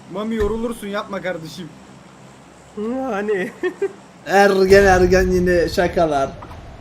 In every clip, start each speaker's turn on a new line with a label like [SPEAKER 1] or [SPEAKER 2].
[SPEAKER 1] Mami yorulursun yapma kardeşim.
[SPEAKER 2] Hani.
[SPEAKER 3] Ergen yine şakalar.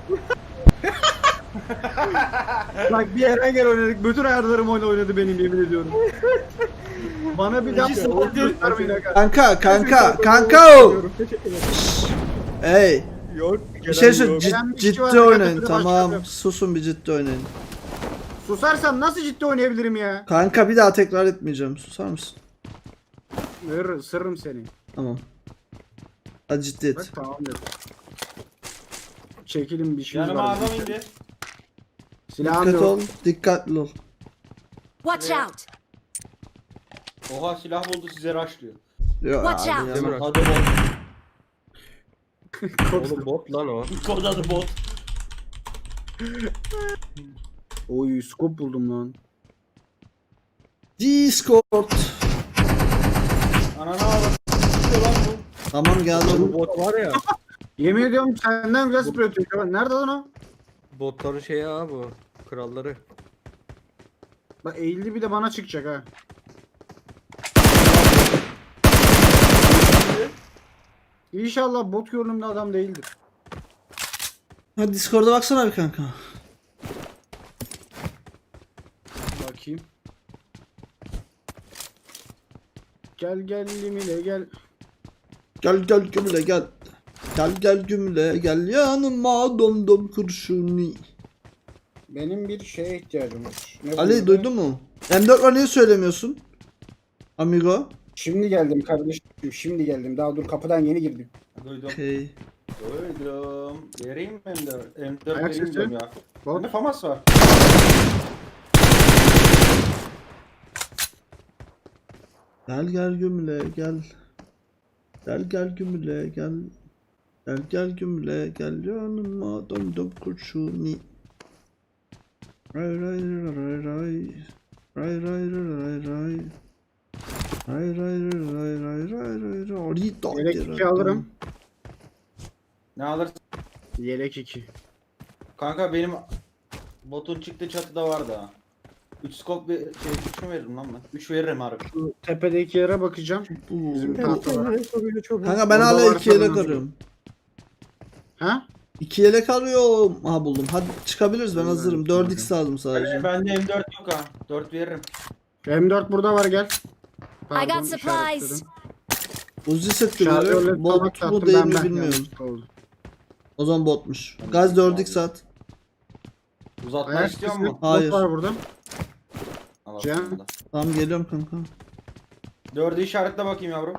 [SPEAKER 1] Bak bir Erengel oynadık. Bütün ayarlarım oynadı benim yemin ediyorum. Bana bir daha bol göstermeyin aga.
[SPEAKER 3] Kanka o.
[SPEAKER 2] Teşekkür ederim.
[SPEAKER 3] Hey.
[SPEAKER 2] Yok.
[SPEAKER 3] Bir şey söyle
[SPEAKER 2] yok.
[SPEAKER 1] Gelen bir kişi
[SPEAKER 3] ciddi
[SPEAKER 1] var, aga,
[SPEAKER 3] oynayın
[SPEAKER 1] kötü
[SPEAKER 3] tamam.
[SPEAKER 1] başlayalım.
[SPEAKER 3] Susun bir ciddi oynayın.
[SPEAKER 1] Susarsam nasıl ciddi oynayabilirim ya?
[SPEAKER 3] Kanka bir daha tekrar etmeyeceğim. Susar mısın?
[SPEAKER 1] Sırrım seni.
[SPEAKER 3] Tamam. Hadi ciddi
[SPEAKER 1] Bak
[SPEAKER 3] et.
[SPEAKER 1] tamam dedim. Çekilin bir şeyimiz
[SPEAKER 4] Yanıma
[SPEAKER 1] var.
[SPEAKER 4] adam indi.
[SPEAKER 1] Silahım
[SPEAKER 3] Dikkat
[SPEAKER 1] yok.
[SPEAKER 3] ol. Dikkatli ol.
[SPEAKER 5] Watch out!
[SPEAKER 4] Oha silah buldu size rushlıyor.
[SPEAKER 3] Yok
[SPEAKER 5] Watch
[SPEAKER 3] abi
[SPEAKER 5] out.
[SPEAKER 3] ya.
[SPEAKER 2] Değil mi?
[SPEAKER 4] Adı bot.
[SPEAKER 2] Oğlum bot lan o.
[SPEAKER 4] Kod adı bot.
[SPEAKER 1] Oy scope buldum lan.
[SPEAKER 3] Discord.
[SPEAKER 4] Ananı ağladı. Lan bu.
[SPEAKER 3] Tamam
[SPEAKER 2] Bu
[SPEAKER 3] geldim.
[SPEAKER 2] bot var ya.
[SPEAKER 1] Yemin ediyorum senden güzel sprey atıyor. Kemal. Nerede lan o?
[SPEAKER 2] Botların şeyi ha bu. Kralları.
[SPEAKER 1] Bak eğildi bir de bana çıkacak ha. İnşallah bot görünümlü adam değildir.
[SPEAKER 3] Hadi Discord'a baksana bir kanka.
[SPEAKER 1] Bakayım. Gel gel limile gel.
[SPEAKER 3] Gel gümle gel. Gel gümle gel yanıma dom kurşuni.
[SPEAKER 1] Benim bir şeye ihtiyacım var. Ne
[SPEAKER 3] Ali
[SPEAKER 1] bunun
[SPEAKER 3] duydun mu? M4 var niye söylemiyorsun? Amigo.
[SPEAKER 1] Şimdi geldim kardeşim. Şimdi geldim. Daha dur kapıdan yeni girdim.
[SPEAKER 4] Duydum.
[SPEAKER 3] Okay.
[SPEAKER 4] Duydum. Vereyim mi M4? M4
[SPEAKER 1] Ayak
[SPEAKER 4] vereyim
[SPEAKER 1] sesi.
[SPEAKER 4] diyorum ya.
[SPEAKER 1] Bot.
[SPEAKER 4] Bende FAMAS var.
[SPEAKER 3] Gel gümle gel. Gel gümle gel. Gel gümle gel yanıma dom kurşuni. Ray ray ray ray. Ray ray ray ray. Ray ray ray ray ray ray. Rito.
[SPEAKER 1] Yelek 2 alırım.
[SPEAKER 4] Ne alırsın?
[SPEAKER 1] Yelek 2.
[SPEAKER 4] Kanka benim botun çıktığı çatıda vardı ha. 3 scope bir şey 3 mü veririm lan ben? 3 veririm harbi.
[SPEAKER 1] Şu tepedeki yere bakacağım. Bizim tahta var.
[SPEAKER 3] Kanka ben
[SPEAKER 1] Orada
[SPEAKER 3] hala
[SPEAKER 1] varsa
[SPEAKER 3] 2 yelek
[SPEAKER 1] ben
[SPEAKER 3] arıyorum.
[SPEAKER 1] Ha?
[SPEAKER 3] 2 yelek arıyorum. Ha buldum. Hadi çıkabiliriz ben
[SPEAKER 1] Ben
[SPEAKER 3] hazırım.
[SPEAKER 1] de
[SPEAKER 3] 4x lazım sadece.
[SPEAKER 4] Bende M4 yok ha. 4 veririm.
[SPEAKER 1] M4 burada var gel.
[SPEAKER 5] I got
[SPEAKER 1] işaretledim.
[SPEAKER 5] supplies.
[SPEAKER 3] Uzi set
[SPEAKER 1] Şarjörle
[SPEAKER 3] görüyorum. Bot
[SPEAKER 1] tabak
[SPEAKER 3] bu
[SPEAKER 1] taktım,
[SPEAKER 3] değil
[SPEAKER 1] ben
[SPEAKER 3] mi
[SPEAKER 1] ben
[SPEAKER 3] bilmiyorum.
[SPEAKER 1] yanlışlıkla oldu.
[SPEAKER 3] O zaman botmuş. Gaz 4x at.
[SPEAKER 4] Uzatma
[SPEAKER 1] Ayak
[SPEAKER 4] istiyor
[SPEAKER 1] sesi.
[SPEAKER 4] mu?
[SPEAKER 3] Hayır.
[SPEAKER 1] Bot var burada.
[SPEAKER 4] Al
[SPEAKER 1] Cem.
[SPEAKER 4] aslında.
[SPEAKER 3] Tamam geliyorum kanka.
[SPEAKER 4] 4'ü işaretle bakayım yavrum.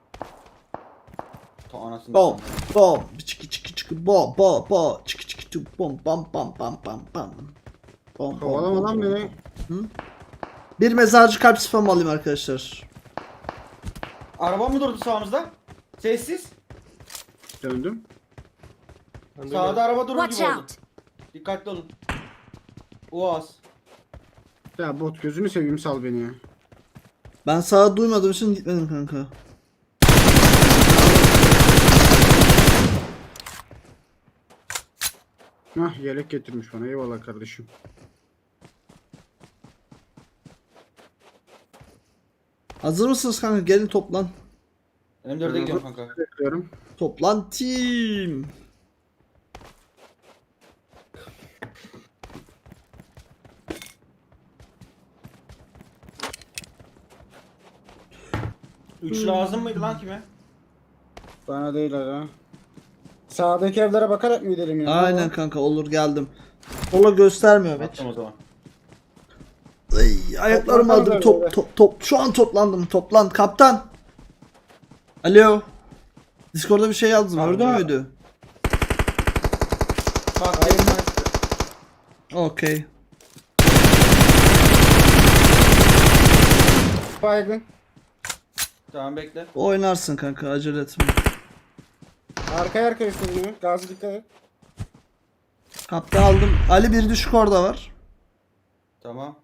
[SPEAKER 4] Ta anasını.
[SPEAKER 3] Bom.
[SPEAKER 4] satayım.
[SPEAKER 3] Bom. Çıkı bo. Çıkı bom bam. Bom
[SPEAKER 1] Kovalama lan beni.
[SPEAKER 3] Bir mezarcı kalp spam alayım arkadaşlar.
[SPEAKER 4] Araba mı durdu sağımızda? Sessiz.
[SPEAKER 1] Döndüm.
[SPEAKER 4] Sağda araba durur
[SPEAKER 5] Watch
[SPEAKER 4] gibi oldu.
[SPEAKER 5] out!
[SPEAKER 4] Dikkatli olun. Uaz.
[SPEAKER 1] Ya bot gözünü seveyim sal beni ya.
[SPEAKER 3] Ben sağa duymadığım için gitmedim kanka.
[SPEAKER 1] Hah yelek getirmiş bana eyvallah kardeşim.
[SPEAKER 3] Hazır mısınız kanka? Gelin toplan.
[SPEAKER 4] M4'e gidiyorum kanka.
[SPEAKER 1] Bekliyorum.
[SPEAKER 3] Toplan team.
[SPEAKER 4] Üç lazım mıydı lan kime?
[SPEAKER 1] Bana değil ha. Sağdaki evlere bakarak mı gidelim ya?
[SPEAKER 3] Aynen kanka olur geldim. Sola göstermiyor bet.
[SPEAKER 4] Attım o zaman.
[SPEAKER 3] Ay, ayaklarım
[SPEAKER 1] Toplan
[SPEAKER 3] aldım.
[SPEAKER 1] kanka,
[SPEAKER 3] Top. Şu an toplandım. Toplan. Kaptan. Alo. Discord'da bir şey yazdım.
[SPEAKER 4] Abi
[SPEAKER 3] Gördün
[SPEAKER 4] ya.
[SPEAKER 3] müydü?
[SPEAKER 4] Bak hayır ben.
[SPEAKER 3] Okey.
[SPEAKER 1] Baygın.
[SPEAKER 4] Tamam bekle.
[SPEAKER 3] Oynarsın kanka acele etme.
[SPEAKER 1] Arkaya istedim. Gazi dikkat et.
[SPEAKER 3] Kaptan aldım. Ali bir düşük orada var.
[SPEAKER 4] Tamam.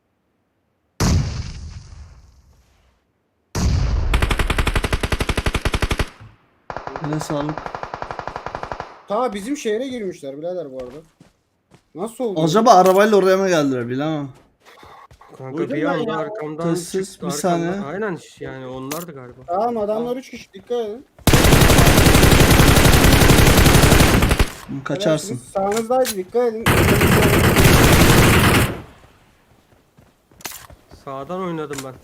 [SPEAKER 3] Yine sağlık.
[SPEAKER 1] Ta bizim şehre girmişler birader bu arada. Nasıl oldu?
[SPEAKER 3] Acaba arabayla oraya mı geldiler bilemem.
[SPEAKER 2] Kanka
[SPEAKER 4] Duydum
[SPEAKER 2] bir
[SPEAKER 4] ben
[SPEAKER 2] anda
[SPEAKER 4] ya.
[SPEAKER 2] arkamdan
[SPEAKER 3] Sessiz,
[SPEAKER 2] çıktı.
[SPEAKER 3] bir
[SPEAKER 2] Arkamdan.
[SPEAKER 3] saniye.
[SPEAKER 2] Aynen yani onlardı galiba.
[SPEAKER 6] Tamam adamlar 3 kişi dikkat edin.
[SPEAKER 3] Kaçarsın.
[SPEAKER 6] Helalsiniz. Sağınızdaydı dikkat edin.
[SPEAKER 2] Sağdan oynadım ben.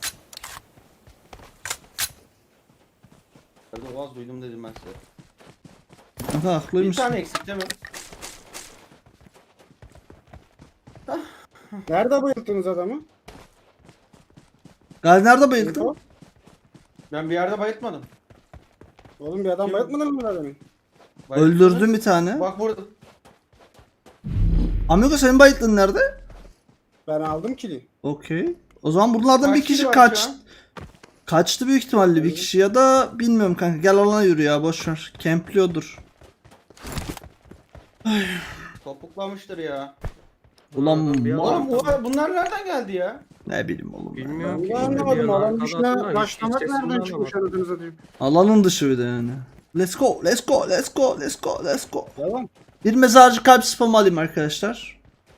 [SPEAKER 4] Nerede Oğaz duydum dedim ben size.
[SPEAKER 3] Kanka
[SPEAKER 4] Bir
[SPEAKER 3] haklıymış.
[SPEAKER 4] tane eksik değil mi?
[SPEAKER 6] Nerede bayılttınız adamı?
[SPEAKER 3] Gazi nerede bayıldın?
[SPEAKER 6] Info?
[SPEAKER 4] Ben bir yerde bayıltmadım.
[SPEAKER 6] Oğlum bir adam
[SPEAKER 4] Kim?
[SPEAKER 6] bayıltmadın mı adamı?
[SPEAKER 4] Bayılttınız.
[SPEAKER 3] Öldürdüm bir tane.
[SPEAKER 4] Bak burada.
[SPEAKER 3] Amigo senin bayıldın nerede?
[SPEAKER 6] Ben aldım kili.
[SPEAKER 3] Okey. O zaman bunlardan
[SPEAKER 4] Kaç
[SPEAKER 3] bir kişi
[SPEAKER 4] kişi var
[SPEAKER 3] kaç.
[SPEAKER 4] şu an?
[SPEAKER 3] Kaçtı büyük ihtimalle bir kişi ya da bilmiyorum kanka. Gel alana yürü ya boş ver. Kempliyordur.
[SPEAKER 4] Topuklamıştır ya.
[SPEAKER 3] Ulan
[SPEAKER 2] Bir
[SPEAKER 3] mal.
[SPEAKER 2] adam-
[SPEAKER 4] Oğlum bunlar nereden geldi ya?
[SPEAKER 3] Ne bileyim oğlum. ya.
[SPEAKER 2] Bilmiyorum
[SPEAKER 6] Ben
[SPEAKER 2] ki
[SPEAKER 6] de
[SPEAKER 2] işte bir
[SPEAKER 6] anlamadım.
[SPEAKER 2] yana
[SPEAKER 6] Alan
[SPEAKER 2] arkada
[SPEAKER 6] dışına
[SPEAKER 2] attılar,
[SPEAKER 6] başlamak
[SPEAKER 2] hiç
[SPEAKER 6] nereden
[SPEAKER 2] sesinden
[SPEAKER 6] çıkmış
[SPEAKER 2] anlamadım.
[SPEAKER 6] anasını satayım.
[SPEAKER 3] Alanın dışı bir de yani. Let's go, let's go, let's go, let's go, let's go.
[SPEAKER 6] Devam.
[SPEAKER 3] Bir mezarcı kalp spamı alayım arkadaşlar.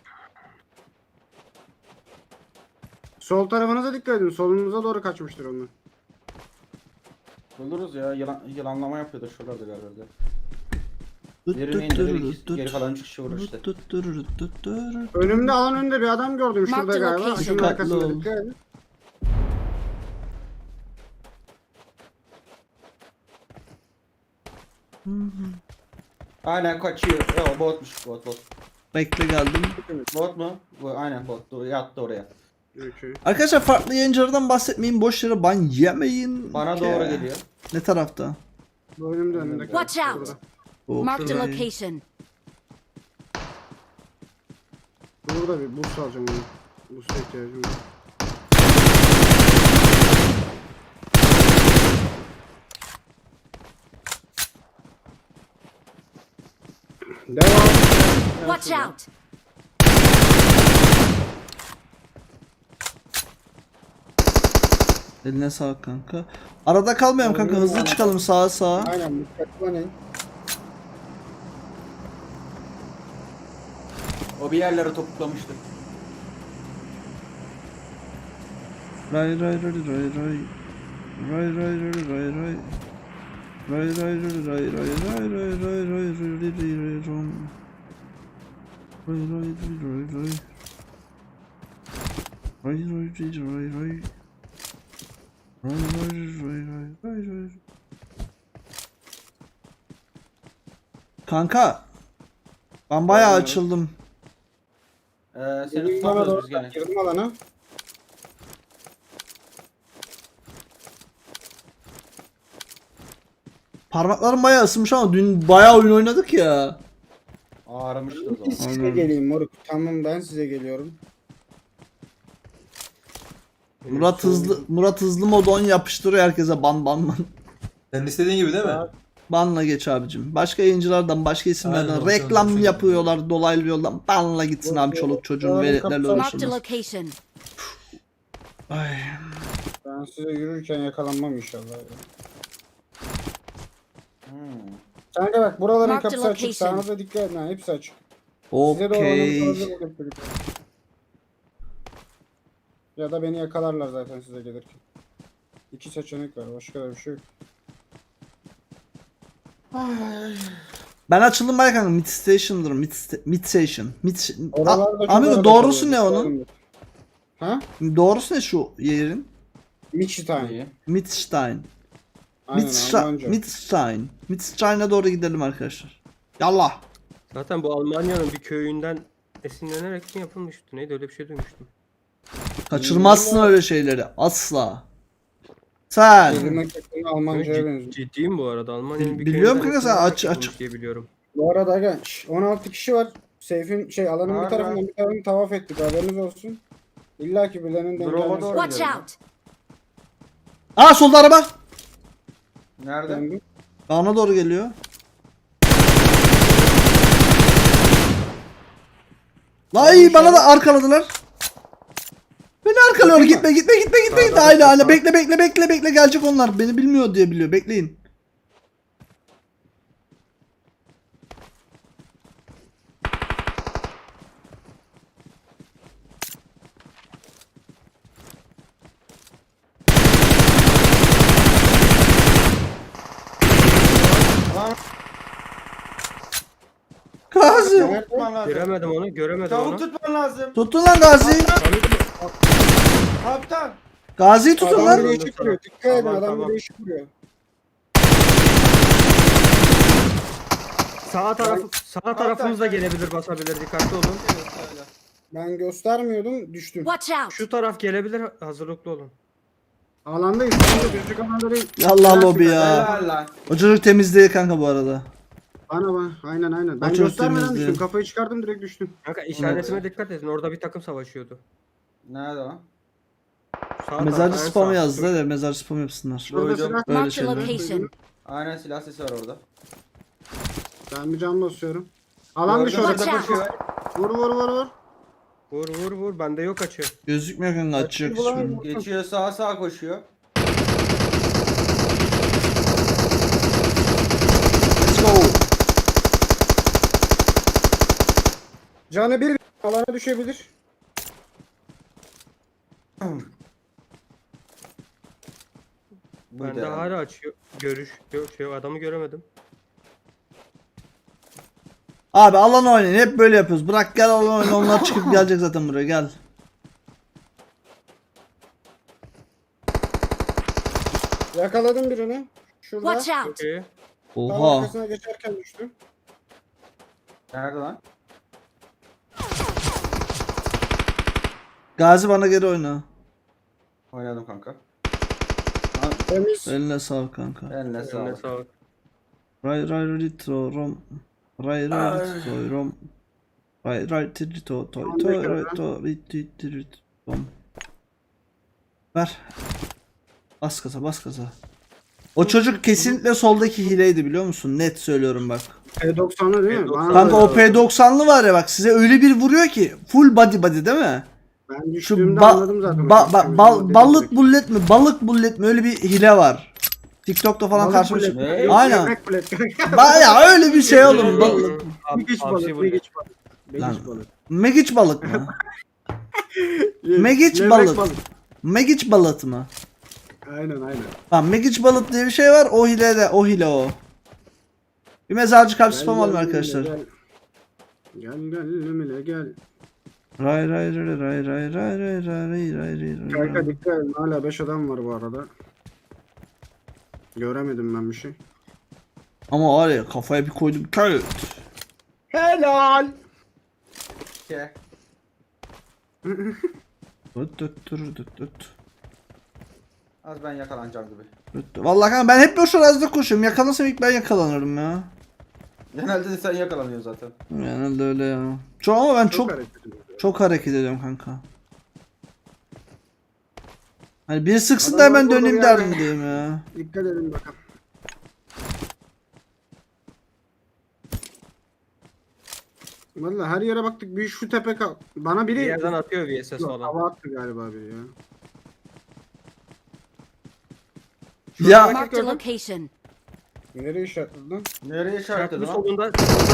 [SPEAKER 6] Sol tarafınıza dikkat edin. Solunuza doğru kaçmıştır onlar.
[SPEAKER 4] Buluruz ya. Yılanlama yapıyordur şuralarda galiba.
[SPEAKER 3] Tut,
[SPEAKER 4] Birini
[SPEAKER 3] tut,
[SPEAKER 4] indirir,
[SPEAKER 3] tut, tut.
[SPEAKER 4] geri kalan 3 kişi vurur işte.
[SPEAKER 3] Tut, tut, tut, tut, tut.
[SPEAKER 6] Önümde alan önünde bir adam gördüm şurada
[SPEAKER 5] Mark the
[SPEAKER 6] galiba.
[SPEAKER 5] location.
[SPEAKER 6] Şunun
[SPEAKER 3] Dikkatli
[SPEAKER 6] arkasında
[SPEAKER 3] ol.
[SPEAKER 6] dikkat edin.
[SPEAKER 4] Aynen kaçıyor. Ya botmuş bot.
[SPEAKER 3] Bekle geldim.
[SPEAKER 4] Bot mu? Bu aynen bot. Yattı oraya.
[SPEAKER 6] Okey.
[SPEAKER 3] Arkadaşlar farklı yayıncılardan bahsetmeyin. Boş yere ban yemeyin.
[SPEAKER 4] Bana
[SPEAKER 3] Ki-
[SPEAKER 4] doğru geliyor.
[SPEAKER 3] Ne tarafta?
[SPEAKER 6] Bu önümde önümde.
[SPEAKER 5] Watch out. Marked a
[SPEAKER 3] Okey.
[SPEAKER 5] location.
[SPEAKER 6] Burada bir boost alacağım onu. Boost'a ihtiyacım var. Devam.
[SPEAKER 5] Watch out.
[SPEAKER 3] Eline sağlık kanka. Arada kalmayalım kanka. Hızlı çıkalım sağa sağa.
[SPEAKER 6] Aynen dikkatli oynayın.
[SPEAKER 4] O bir yerlere topuklamıştır.
[SPEAKER 3] Ray ray ray ray ray. Ray ray ray ray ray. Ray ray ray ray ray ray ray ray ray ray ray ray rom. Ray ray ray ray ray. Ray ray ray ray ray. Ray ray ray ray ray ray. Kanka. Ben bayağı açıldım.
[SPEAKER 4] Seni
[SPEAKER 6] Girdim alana
[SPEAKER 4] tutamıyoruz
[SPEAKER 6] doğru.
[SPEAKER 4] biz gene.
[SPEAKER 6] Girdim alana.
[SPEAKER 3] Parmaklarım bayağı ısınmış ama dün bayağı oyun oynadık ya.
[SPEAKER 4] Ağrımıştı o zaman.
[SPEAKER 6] Size
[SPEAKER 3] Aynen.
[SPEAKER 6] geleyim moruk. Tamam ben size geliyorum.
[SPEAKER 3] Murat hızlı mod 10 yapıştırıyor herkese ban ban ban.
[SPEAKER 7] Senin istediğin gibi değil mi?
[SPEAKER 3] Banla geç abicim. Başka yayıncılardan, başka isimlerden
[SPEAKER 7] Aynen,
[SPEAKER 3] reklam
[SPEAKER 7] olsun.
[SPEAKER 3] yapıyorlar dolaylı yoldan. Banla gitsin abi çoluk çocuğun
[SPEAKER 6] Doğru,
[SPEAKER 3] veletlerle
[SPEAKER 6] kaptan.
[SPEAKER 5] Marked a
[SPEAKER 3] uğraşırlar.
[SPEAKER 5] location.
[SPEAKER 3] Ay.
[SPEAKER 6] Ben size yürürken yakalanmam inşallah. Kanka bak buraların
[SPEAKER 5] Mark the
[SPEAKER 6] kapısı açık.
[SPEAKER 5] location.
[SPEAKER 6] Sağınıza dikkat edin ha. Hepsi açık. Size de
[SPEAKER 3] Okey.
[SPEAKER 6] olanı ya da beni yakalarlar zaten size gelirken. İki seçenek var. Başka da bir şey yok.
[SPEAKER 3] Ben açıldım bayağı kanka. Mid station'dır. Mid station.
[SPEAKER 6] Oralarda çok
[SPEAKER 3] Amigo
[SPEAKER 6] arada
[SPEAKER 3] doğrusu ne
[SPEAKER 6] kalıyor.
[SPEAKER 3] onun?
[SPEAKER 6] Ha?
[SPEAKER 3] Doğrusu ne şu yerin?
[SPEAKER 6] Michitan.
[SPEAKER 4] İyi.
[SPEAKER 3] Midstein.
[SPEAKER 6] Aynen Almanca.
[SPEAKER 3] Midstein. Midstein'e doğru gidelim arkadaşlar. Yallah.
[SPEAKER 2] Zaten bu Almanya'nın bir köyünden esinlenerek mi yapılmıştı? Neydi öyle bir şey duymuştum.
[SPEAKER 3] Kaçırmazsın öyle şeyleri. Asla. Sen.
[SPEAKER 6] Kelime kökeni Almanca'ya benziyor.
[SPEAKER 2] Ciddiyim bu arada. Almanya'nın bir
[SPEAKER 3] Biliyorum
[SPEAKER 2] köyünden
[SPEAKER 3] kanka, sen
[SPEAKER 2] esinlenerek
[SPEAKER 3] aç-
[SPEAKER 2] yapılmış diye biliyorum.
[SPEAKER 6] Bu arada aga 16 kişi var. Seyfin alanın
[SPEAKER 4] Var,
[SPEAKER 6] bir tarafından
[SPEAKER 4] var.
[SPEAKER 6] bir tarafını tavaf ettik. Haberiniz olsun. İlla ki birilerinin denk
[SPEAKER 4] Drop'a
[SPEAKER 6] gelmesi
[SPEAKER 4] doğru
[SPEAKER 5] Watch
[SPEAKER 4] gidelim.
[SPEAKER 5] out.
[SPEAKER 3] Aa solda araba.
[SPEAKER 4] Nerede?
[SPEAKER 6] lazım.
[SPEAKER 3] Bana doğru geliyor. Vay bana da arkaladılar. Beni arkalıyor. Gitme gitme gitme gitme.
[SPEAKER 2] Sağda,
[SPEAKER 3] Aynen aynen.
[SPEAKER 2] sağda.
[SPEAKER 3] Bekle gelecek onlar. Beni bilmiyor diye biliyor. Bekleyin. Gazi.
[SPEAKER 6] Nerede?
[SPEAKER 4] Tutman lazım.
[SPEAKER 2] Göremedim onu, göremedim
[SPEAKER 4] Tavuk
[SPEAKER 2] onu.
[SPEAKER 4] tutman lazım.
[SPEAKER 3] Tutun lan Gazi'yi.
[SPEAKER 4] Kaptan.
[SPEAKER 3] Gazi'yi tutun
[SPEAKER 6] Adam
[SPEAKER 3] lan.
[SPEAKER 6] bir değişik vuruyor. Dikkat edin
[SPEAKER 2] Tamam,
[SPEAKER 6] adam
[SPEAKER 2] tamam.
[SPEAKER 6] bir değişik vuruyor.
[SPEAKER 2] Sağ tarafımız da gelebilir, basabilir. Dikkatli olun.
[SPEAKER 6] Ben göstermiyordum düştüm.
[SPEAKER 5] Watch out!
[SPEAKER 2] Şu taraf gelebilir, hazırlıklı olun.
[SPEAKER 6] Alandayız. Kanka gözlük alanda değil.
[SPEAKER 3] Yallah lobi ya.
[SPEAKER 4] Helal lan.
[SPEAKER 3] O çocuk temiz değil kanka bu arada.
[SPEAKER 6] Bana. Aynen. Ben
[SPEAKER 3] çok
[SPEAKER 6] göstermeden
[SPEAKER 3] temizdi.
[SPEAKER 6] düştüm. Kafayı çıkardım direkt düştüm.
[SPEAKER 2] Kanka işaretime dikkat edin. Orada bir takım savaşıyordu.
[SPEAKER 4] Nerede lan?
[SPEAKER 2] Sağ
[SPEAKER 3] Mezarcı
[SPEAKER 2] taraf, en
[SPEAKER 3] spamı
[SPEAKER 2] sağ.
[SPEAKER 3] yazdı da mezarcı spam yapsınlar.
[SPEAKER 6] Şurada
[SPEAKER 4] Duydum.
[SPEAKER 6] silah.
[SPEAKER 3] Böyle
[SPEAKER 5] Marked a
[SPEAKER 3] şeyler.
[SPEAKER 5] location.
[SPEAKER 4] Aynen silah sesi var orada.
[SPEAKER 6] Ben bir can basıyorum. Alan dışı
[SPEAKER 4] Gördüm,
[SPEAKER 6] orada
[SPEAKER 5] Watch
[SPEAKER 4] koşuyor.
[SPEAKER 6] Vur.
[SPEAKER 2] Vur. Bende yok açı.
[SPEAKER 3] Gözükmüyor kanka açacak hiçbirini.
[SPEAKER 4] Geçiyor sağa koşuyor.
[SPEAKER 3] Let's go.
[SPEAKER 6] Canı bir alana düşebilir.
[SPEAKER 4] Buydu
[SPEAKER 2] Bende
[SPEAKER 4] herhalde.
[SPEAKER 2] hala açıyor. Görüş yok, adamı göremedim.
[SPEAKER 3] Abi alan oynayın hep böyle yapıyoruz. Bırak gel alan oyna onlar çıkıp gelecek zaten buraya gel.
[SPEAKER 6] Yakaladım birini. Şurada.
[SPEAKER 5] Watch out!
[SPEAKER 2] Okey.
[SPEAKER 6] Tam
[SPEAKER 3] Oha.
[SPEAKER 6] arkasına geçerken düştüm.
[SPEAKER 4] Nerede lan?
[SPEAKER 3] Gazi bana geri oyna.
[SPEAKER 4] Oynadım kanka.
[SPEAKER 6] Temiz.
[SPEAKER 3] Eline sağlık kanka.
[SPEAKER 4] Eline
[SPEAKER 2] Eline
[SPEAKER 4] sağlık.
[SPEAKER 2] sağlık.
[SPEAKER 3] Ray ritro rom. Ray ritro rom. Ray ritro toy toy ritro rom. Ver. Bas gaza. O çocuk kesinlikle soldaki hileydi biliyor musun? Net söylüyorum bak.
[SPEAKER 6] P90'lı değil mi? Bana
[SPEAKER 3] Kanka
[SPEAKER 6] da-
[SPEAKER 3] o P90'lı var ya bak size öyle bir vuruyor ki full body değil mi?
[SPEAKER 6] Ben
[SPEAKER 3] Şu
[SPEAKER 6] düştüğümde anladım zaten.
[SPEAKER 3] balık bullet mi? Balık bullet mi? Öyle bir hile var. TikTok'ta falan karşıma
[SPEAKER 6] bullet.
[SPEAKER 3] çıkıyor.
[SPEAKER 4] Ne?
[SPEAKER 3] Aynen.
[SPEAKER 6] Yemek bullet.
[SPEAKER 3] Baya öyle bir şey oğlum. Balık.
[SPEAKER 6] Megiç
[SPEAKER 2] Hamsi
[SPEAKER 6] balık.
[SPEAKER 2] bu.
[SPEAKER 6] Megiç balık.
[SPEAKER 3] Lan.
[SPEAKER 6] Megiç balık.
[SPEAKER 3] Megiç balık mı? Megiç
[SPEAKER 6] Levrek
[SPEAKER 3] balık. Megiç balık mı?
[SPEAKER 6] Aynen.
[SPEAKER 3] Tamam Megiç balık diye bir şey var. O hile o. Bir mezarcı kalp spam alalım arkadaşlar.
[SPEAKER 6] Gel Emine gel.
[SPEAKER 3] Ray.
[SPEAKER 6] Kanka dikkat edin hala 5 adam var bu arada. Göremedim ben bir şey.
[SPEAKER 3] Ama var ya kafaya bir koydum. Köl.
[SPEAKER 6] Helal.
[SPEAKER 4] Ke. Az ben yakalanacağım gibi.
[SPEAKER 3] Vallahi kanka ben hep boş arazide koşuyorum. Yakalansam ilk ben yakalanırım ya.
[SPEAKER 4] Genelde de sen yakalanıyorsun zaten.
[SPEAKER 3] Yani öyle ya. Ama ben çok
[SPEAKER 6] hareket
[SPEAKER 3] hareket ediyorum kanka. Hani biri sıksın da hemen döneyim derdim diyeyim ya.
[SPEAKER 6] Dikkat edin bakalım. Vallahi her yere baktık bir şu tepe kal. Bana
[SPEAKER 2] Bir
[SPEAKER 6] biri
[SPEAKER 2] yerden atıyor VSS
[SPEAKER 6] Yok,
[SPEAKER 2] falan.
[SPEAKER 6] hava attı galiba biri ya.
[SPEAKER 3] Ya
[SPEAKER 5] Marked a location.
[SPEAKER 6] Nereye işaretledin lan?
[SPEAKER 4] Nereye işaretledin
[SPEAKER 2] Bu
[SPEAKER 4] lan?
[SPEAKER 2] solunda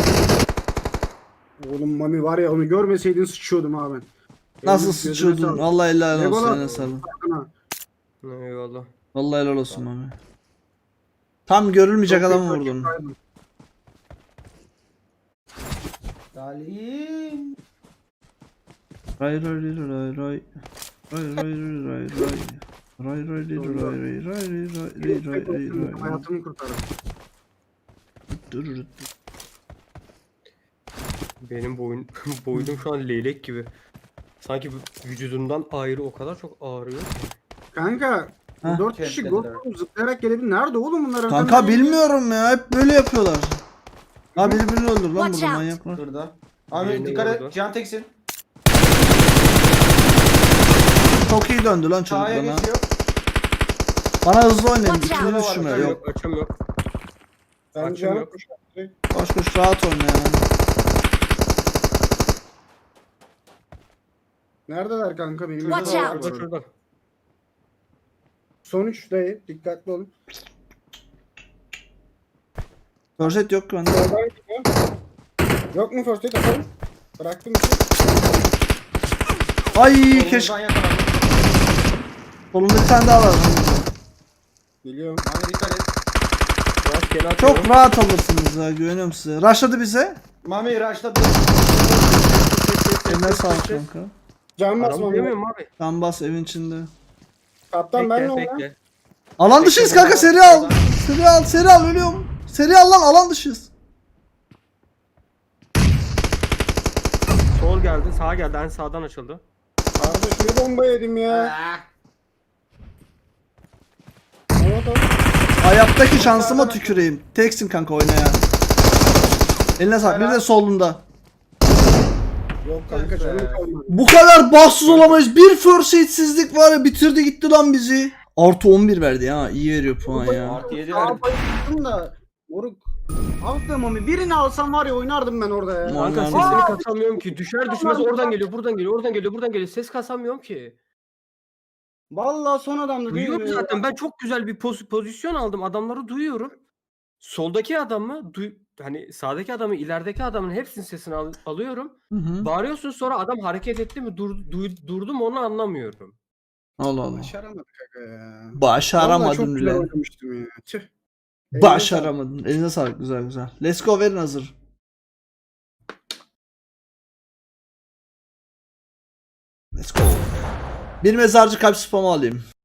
[SPEAKER 6] Oğlum Mami var ya onu görmeseydin sıçıyordum abi ben.
[SPEAKER 3] nasıl
[SPEAKER 6] Gözüne
[SPEAKER 3] sıçıyordun?
[SPEAKER 6] sağlık.
[SPEAKER 3] Vallahi helal olsun.
[SPEAKER 6] Eyvallah.
[SPEAKER 3] Eline sağlık.
[SPEAKER 6] Sana.
[SPEAKER 2] eyvallah.
[SPEAKER 3] Vallahi helal olsun abi. Tam görülmeyecek
[SPEAKER 6] Çok
[SPEAKER 3] adamı
[SPEAKER 6] iyi
[SPEAKER 3] vurdun.
[SPEAKER 6] kaçırdın.
[SPEAKER 4] Salim.
[SPEAKER 3] Ray. Ray.
[SPEAKER 6] Hayatımı kurtardım.
[SPEAKER 2] Benim boynum şu an leylek gibi. Sanki vücudumdan ayrı o kadar çok ağrıyor ki.
[SPEAKER 6] Kanka
[SPEAKER 3] Heh.
[SPEAKER 6] 4 kişi
[SPEAKER 4] Kemplediler.
[SPEAKER 6] GoPro zıplayarak gelebilir. Nerede oğlum bunlar?
[SPEAKER 3] Kanka
[SPEAKER 6] Arkadan
[SPEAKER 3] bilmiyorum ya. Hep böyle yapıyorlar. Ha birbirini öldür lan
[SPEAKER 5] Watch
[SPEAKER 3] burada
[SPEAKER 5] out.
[SPEAKER 3] manyaklar.
[SPEAKER 4] Şurada. Abi
[SPEAKER 2] Yerine
[SPEAKER 4] dikkat
[SPEAKER 2] yoruldu.
[SPEAKER 4] et. Can teksin.
[SPEAKER 3] Çok iyi döndü lan çocuk
[SPEAKER 4] Sağa
[SPEAKER 3] bana.
[SPEAKER 4] geçiyor.
[SPEAKER 3] Bana hızlı oynayın.
[SPEAKER 5] Watch
[SPEAKER 3] İkili
[SPEAKER 4] out.
[SPEAKER 3] düşme.
[SPEAKER 4] Açım
[SPEAKER 3] Yok.
[SPEAKER 2] Açım yok.
[SPEAKER 6] Ben
[SPEAKER 2] Açım
[SPEAKER 6] canım
[SPEAKER 2] yok.
[SPEAKER 3] Koş rahat oyna ya.
[SPEAKER 6] Neredeler kanka benim?
[SPEAKER 5] Watch
[SPEAKER 6] yanımda
[SPEAKER 5] out.
[SPEAKER 6] var.
[SPEAKER 2] Şurada.
[SPEAKER 6] Son 3'deyim. Dikkatli olun.
[SPEAKER 3] Korset yok bende.
[SPEAKER 6] Soldan gidiyor. Yok mu first aid atalım? Bıraktım bir şey.
[SPEAKER 3] Ay
[SPEAKER 4] Solundan
[SPEAKER 3] keşke.
[SPEAKER 4] yakalandım.
[SPEAKER 3] Solunda bir tane daha var.
[SPEAKER 6] Biliyorum.
[SPEAKER 4] Abi dikkat et.
[SPEAKER 2] Bas Tekeni atıyorum.
[SPEAKER 3] Çok rahat alırsınız ya, güveniyorum size. Rushladı bize.
[SPEAKER 4] Mami Raş'ta
[SPEAKER 3] Eline sağlık kanka.
[SPEAKER 6] Can
[SPEAKER 2] Adam
[SPEAKER 6] basmam ya.
[SPEAKER 2] demiyorum abi.
[SPEAKER 3] Can bas evin içinde.
[SPEAKER 6] Kaptan ben ne
[SPEAKER 2] Bekle
[SPEAKER 6] oldu?
[SPEAKER 2] bekle.
[SPEAKER 3] Alan dışıyız kanka, seri al. Seri al ölüyorum. Seri al lan, alan dışıyız.
[SPEAKER 2] Sol geldi, sağa geldi. En sağdan açıldı.
[SPEAKER 6] Kardeş bir bomba yedim ya. Evet abi.
[SPEAKER 3] Hayattaki şansıma tüküreyim. Teksin kanka, oyna ya. Eline sağlık. Bir de solunda.
[SPEAKER 6] Yok kanka canım kalmadı.
[SPEAKER 3] Bu kadar bahtsız olamayız. Bir first aid'sizlik var ya, bitirdi gitti lan bizi. Artı 11 verdi ya. İyi veriyor puan ya.
[SPEAKER 4] Artı 7
[SPEAKER 6] Sağa
[SPEAKER 4] verdim.
[SPEAKER 6] bayıldım da. Moruk. Aldım Mami. Birini alsam var ya oynardım ben orada ya.
[SPEAKER 2] Kanka
[SPEAKER 3] Aman
[SPEAKER 2] sesini
[SPEAKER 3] Allah'ım.
[SPEAKER 2] kasamıyorum ki. Düşer düşmez oradan geliyor, buradan geliyor, oradan geliyor, buradan geliyor. Ses kasamıyorum ki.
[SPEAKER 6] Vallahi son adamdı değil
[SPEAKER 2] Duyuyorum
[SPEAKER 6] mi?
[SPEAKER 2] zaten. Ben çok güzel bir pozisyon aldım. Adamları duyuyorum. Soldaki adamı, hani sağdaki adamı, ilerideki adamın hepsinin sesini alıyorum.
[SPEAKER 3] Hı hı.
[SPEAKER 2] Bağırıyorsun, sonra adam hareket etti mi durdu mu onu anlamıyorum.
[SPEAKER 3] Allah Allah.
[SPEAKER 6] Başaramadık kanka ya. Vallahi çok
[SPEAKER 3] Başaramadın
[SPEAKER 6] güzel
[SPEAKER 3] bile.
[SPEAKER 6] oynamıştım ya. Tüh.
[SPEAKER 3] Başaramadın. Eline sağlık, güzel güzel. Let's go, verin hazır. Let's go. Bir mezarcı kalp spamı alayım.